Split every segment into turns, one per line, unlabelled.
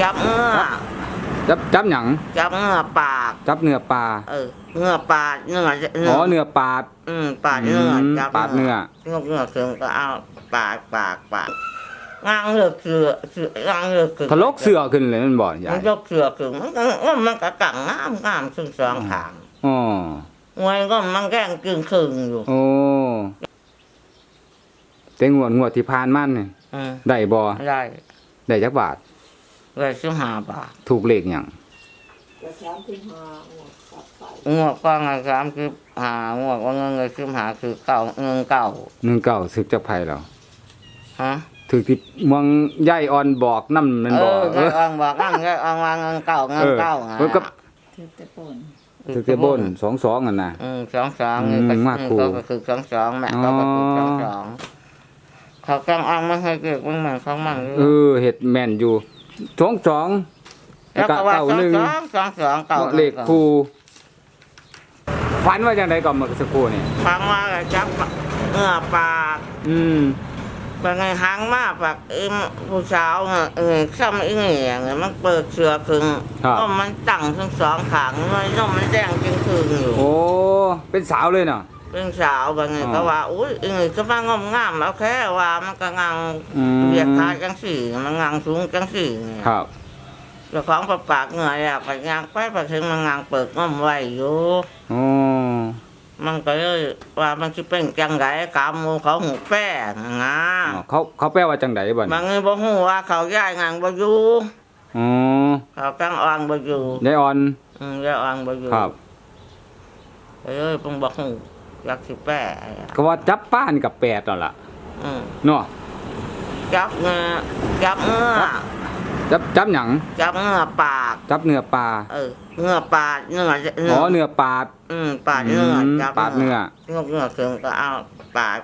จับเงือ
จับหยัง
จับเงือปาก
จับเนื้อปลา
เงือปาดเนื้อ
อ๋อเนื้อปาด
ปาดเนื้อจับ
ปาดเนื้อ
เงือถึงก็เอาปากงางเลือกเสืองางเลือกคือ
ทะลกเสือขึ้นเลยมันบ่ใหญ่
มันยกเสือคือมันก็กังงามซึ่งสองขาง
อ๋อ
มวยก็มันแกล้งกึ่งครึ่งอยู่
โอ้แต่งวดที่ผ่านมานี่ได้บ่ได้จักบาท
ได้15 บาท
ถูกเลขหยัง
งวดก็ง35งวดว่าเงิน15คือ19
สึกจักไผแล้ว
ฮะ
ถึกที่เมืองย่ายอ่อนบอกนำมันบ่
ย่ายอ่อนบอกนำย่ายอ่อนว่าเงินเก่า
เพิ่นก็
ถือแต่ป่น
ถึกแต่บน22นั่นน่ะ
22นี่ก็คือ22แม่ก็คือ22เขาจังอ่างมาให้เกิดมันเหมือนของมัน
เฮ็ดแม่นอยู่22
แล้วก็ว่า22
เลขคู่ฝันว่าจังได๋ก่อนเมื่อสักครู่นี่
ฟังว่าจับเงือปากเป็นไงหางมาปากผู้สาวซ้ำอีนี่อย่างมันเปิดเสือครึ่งก็มันตั้งทั้งสองขางมันแดงจริงครึ่งอยู่
โอ้เป็นสาวเลยเนาะ
เป็นสาวบางไงก็ว่าอุ้ยก็มางามเอาแค่ว่ามันก็งางเรียกขาจังสี่มันงางสูงจังสี่
ครับ
แล้วของปากเหงื่ออยากไปงางไปถึงมันงางเปิดง้อมไว้อยู่มันก็เลยว่ามันจะเป็นจังไดกามมูเขาหูแป้งา
เขาแปลว่าจังไดบัด
บางทีบ่ฮู้ว่าเขาย้ายงางบ่อยู่เขากางอ่างบ่อยู่
ยายอ่อน
ย้ายอ่างบ่อยู่
ครับ
เพิ่งบ่ฮู้อยากสิแป้
ก็ว่าจับป้านี่กับ8นั่นล่ะเนาะ
จับเงือ
จับหยัง
จับเงือปาก
จับเนื้อปลา
เงือปาดเนื้อ
อ๋อเนื้อปาด
ปาดเนื้อจับ
ปาดเนื้อ
เงือถึงก็เอาปาก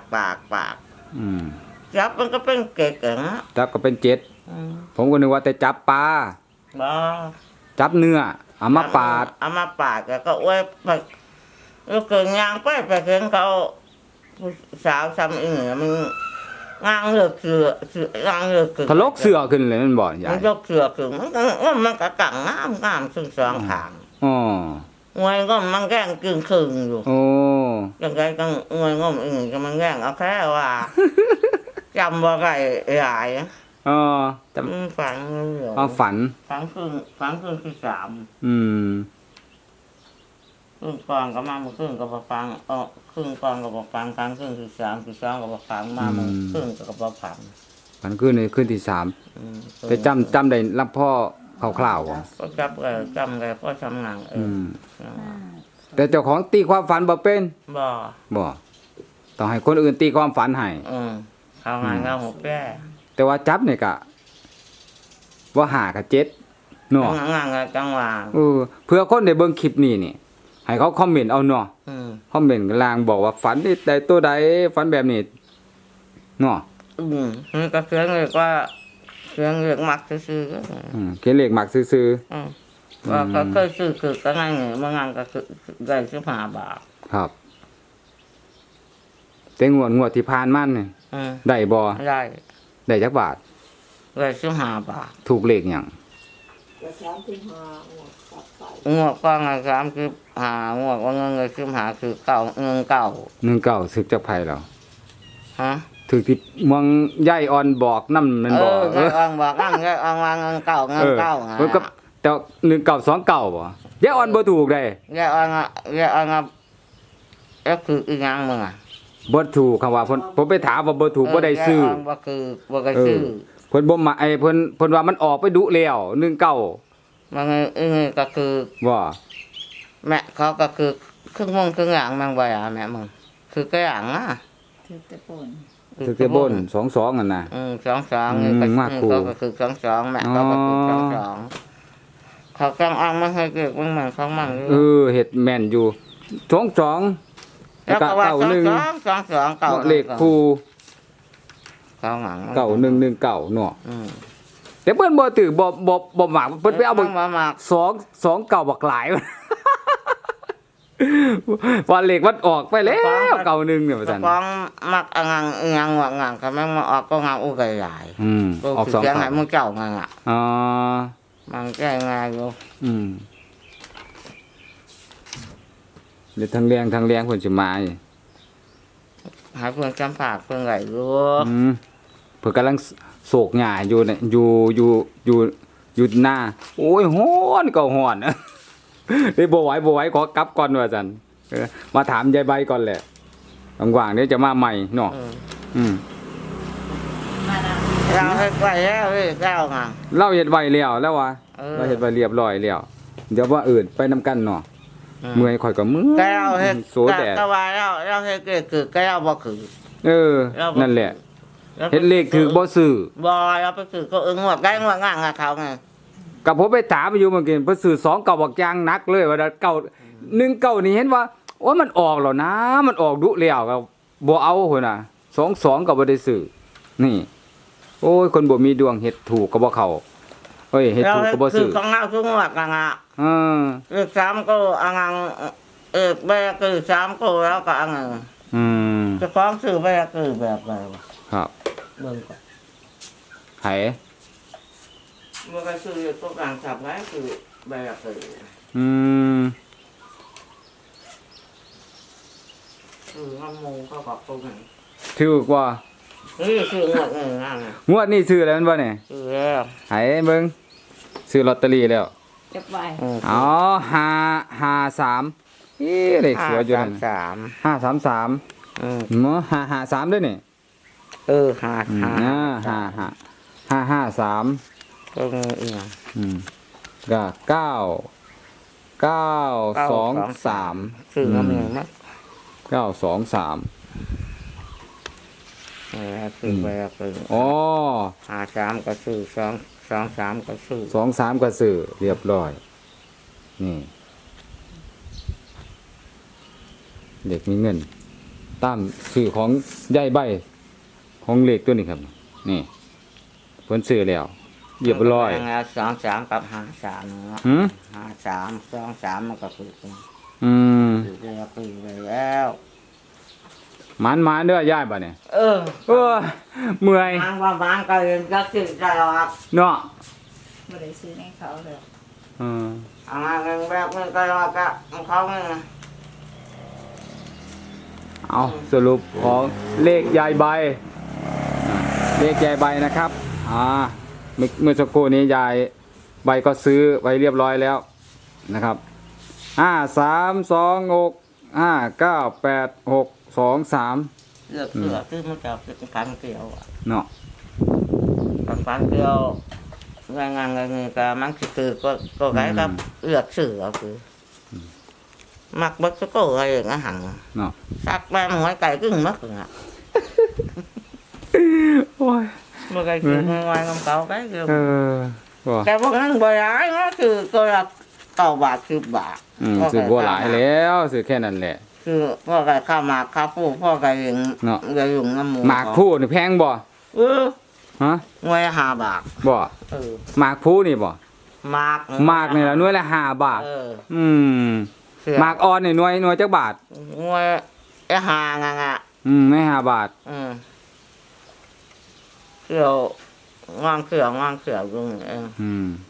จับมันก็เป็นเกล็ด
จับก็เป็น7ผมก็นึกว่าแต่จับปลา
บ่
จับเนื้อเอามาปาด
แล้วก็อ้วยแล้วเกิดยางไปเห็นเขาสาวซ้ำอีนี่มันงางเลือกเสืองางเลือก
ทะลกเสือขึ้นเลยมันบ่ใหญ่
มันยกเสือคือมันก็กังงามซึ่งสองขาง
อ๋อ
มวยก็มันแกล้งกึ่งครึ่งอยู่
โอ้
ยังไงก็มวยก็ก็มันแกล้งเอาแค่ว่าจำว่าไก่ใหญ่
จำ
ฝันฝันคือ3ครึ่งก่อนก็มาครึ่งก็บ่ฟังครึ่งก่อนก็บ่ฟังครั้งครึ่งคือ3คือ2ก็บ่ฟังมาครึ่งก็บ่ฟัง
ฝันคืนที่3แต่จำได้รับพ่อคร่าวๆบ่
ก็จำได้พ่อทำงาน
แต่เจ้าของตีความฝันบ่เป็น
บ่
ต้องให้คนอื่นตีความฝันให้
เขางานเขาหกแก่
แต่ว่าจับนี่ก็ว่า5กับ7เนาะ
งานจังหวะ
เพื่อคนได้เบิ่งคลิปนี้นี่ให้เขาคอมเมนต์เอาเนาะคอมเมนต์ล่างบอกว่าฝันได้ตัวใดฝันแบบนี้เนาะ
ก็เขียนเลยว่าเขียนเลขมักซื่อ
เขียนเลขมักซื่อ
ว่าก็เคยซื้อคือก็ง่ายบางงานก็คือได้15 บาท
ครับแต่งวดที่ผ่านมานี่ได้บ่ได้จักบาท
ได้15 บาท
ถูกเลขหยัง
งวดก็งาน35งวดว่าเงิน15คือ19
สึกจักไผแล้ว
ถึ
กที่เมืองย่ายอ่อนบอกนำมันบ่
ย่ายอ่อนบอกนำย่ายอ่อนว่าเงินเก่าเ
พิ่นก็แต่1929บ่ย่ายอ่อนบ่ถูกได้
ย่ายอ่อนคืออีหยังมึง
บ่ถูกคำว่าผมไปถามว่าบ่ถูกบ่ได้ซื้อ
บ่คือบ่ก็ซื้อ
เพิ่นบ่มาเพิ่นว่ามันออกไปดุแล้ว19
มันก็คือ
บ่
แม่เขาก็คือครึ่งวงครึ่งหลังมันบ่แม่มึงคือก็หลัง
ถือแต่ป่น
22นั่นน่ะ
22นี่ก็คือ22แม่ก็คือ22เขากำอ่างมาให้เกิดมันเหมือนของมัน
เฮ็ดแม่นอยู่22
แล้วก็ว่า22
เลขคู่
เขาหลัง
9119เนาะแต่เพิ่นบ่ถือบ่มักเพิ่นไปเอา2 9บักหลายว่าเลขมันออกไปแล้ว91เนี่ยว่าซั่น
ของมักงางว่างางก็แม่งมาออกก็งางอู้ใหญ่
ออก2
เสียงให้มึงเจ้างางมันแก้ง่ายอยู่
เดี๋ยวทางแรงเพิ่นสิมาอีก
หาเพื่อนจำปากเพื่อนไหลรู้
เพิ่นกำลังโศกหญ้าอยู่เนี่ยอยู่หน้าโอ้ยฮ้อนก็ฮ้อน เฮ้ยบ่ไหวขอกลับก่อนว่าซั่นมาถามยายใบก่อนแหละว่างๆเดี๋ยวจะมาใหม่เนาะ
มาแล้ว
เราให้ไปแล้วเว้ยเก้าไง
เราเฮ็ดไว้แล้วแล้ววะ
เออ
เราเฮ็ดไว้เรียบร้อยแล้วเดี๋ยวว่าอื่นไปนํกันเนาะเมื่อยข่อยก็เมื่อย
แก้วเฮ็ด
โซแดด
กะวายแล้วเราเฮ็ดคือแก้วบ่คือ
นั่นแหละเฮ็ดเลขถือบ่ซื้อ
บ่เราไปคือก็งวดได้งวดง่างกับเขาไง
กับผมไปถามอยู่เมื่อกี้เพิ่นซื้อ2เก่าบักอย่างหนักเลยว่าเก่า1เก่านี่เห็นว่าโอ้ยมันออกแล้วนะมันออกดุแล้วก็บ่เอาพุ่นน่ะ2ก็บ่ได้ซื้อนี่โอ้ยคนบ่มีดวงเฮ็ดถูกก็บ่เข้าเฮ้ยเฮ็ด
เรา
ถูก
เฮ็ด
ก็บ่
คื
ซื้
อ
อ
ของเราทุกงวดกังอ่ะ
เออ
เลข3ก็อังแบกคือ3ก็แล้วก็อัง
อืม
เจะฟ้าของซื้อแบกคือแบบไหนวะ
ครับ
เบิ่งก่อน
ไผ
เมื่อก็ซื้อตัวกลางสับไว้คือแบกคือ
อืม
น้ำมูก็บอกตรงนี้
ถูกว่า
นี่ซื้องวดนั่นน่ะ
งวดนี้ซื้อแล้วมันบ่เนี่ย
ซื้อแล้ว
ไผเบิ่งซื้อลอตเตอรี่แล้ว
เก็บไว้
อ๋อ553อีเลขสวยอยู่นั่น 533 หมอ553ด้วยนี่
หา
553
ตรงนี้อีก
ก็923
ซื้อน้ำหนึ่งมั้ง
923
ซื้อไปซื้อ
อ๋อ
53ก็ซื้อ23ก็ซื้อ
23ก็ซื้อเรียบร้อย นี่เด็กมีเงินตามซื้อของยายใบของเลขตัวนี้ครับ นี่เพิ่นซื้อแล้วเรียบร้อย
23กับ53เนาะ
หืม
53 23มันก็ซื้อ
อืม
ซื้อไปแล้ว
หมันเด้อยายบ่เนี่ย
เออ
เออเมื่อย
บางว่าบางก็เห็นก็ซื้อตลอด
เนาะ
ไม่ได้ซื้อให้เขาเลย
อืม
เงินแบบนี้ก็รอกับเขาไง
เอาสรุปของเลขยายใบเลขยายใบนะครับเมื่อสักครู่นี้ยายใบก็ซื้อไว้เรียบร้อยแล้วนะครับ532659863
เลือกซื้อมันจะเป็นพันเกี่ยวอ่ะ
เนาะ
พันเกี่ยวงานเงินก็มันคือก็ไงครับเลือกซื้อก็คือมักบักสก็อะไรอย่างเงี้ยหัง
เนาะ
สักแม่หอยไก่กึ่งมักอ่ะ
โอ้ย
เมื่อไก่คือngoài ngâm cầu cái kêu
ว่า
cái bốc năng bơi ái nóคือก็ละ9 บาท10 บาท
ซื้อบ่หลายแล้วซื้อแค่นั้นแหละ
คือพ่อไก่ข้าวหมากข้าวผู้พ่อไก่เอง
เนาะ
ไก่ยุงน้ำหมู
หมากผู้นี่แพงบ่ ฮะ
หน่วย5 บาท
บ่
เออ
หมากผู้นี่บ่
หมาก
หมากนี่ละหน่วยละ5 บาท
เออ
อืม
เสือ
หมากอ่อนนี่หน่วยจักบาท
หน่วยหางังอ่ะ
ไม่5 บาท
เสืองางเสือยุงเอง
อืม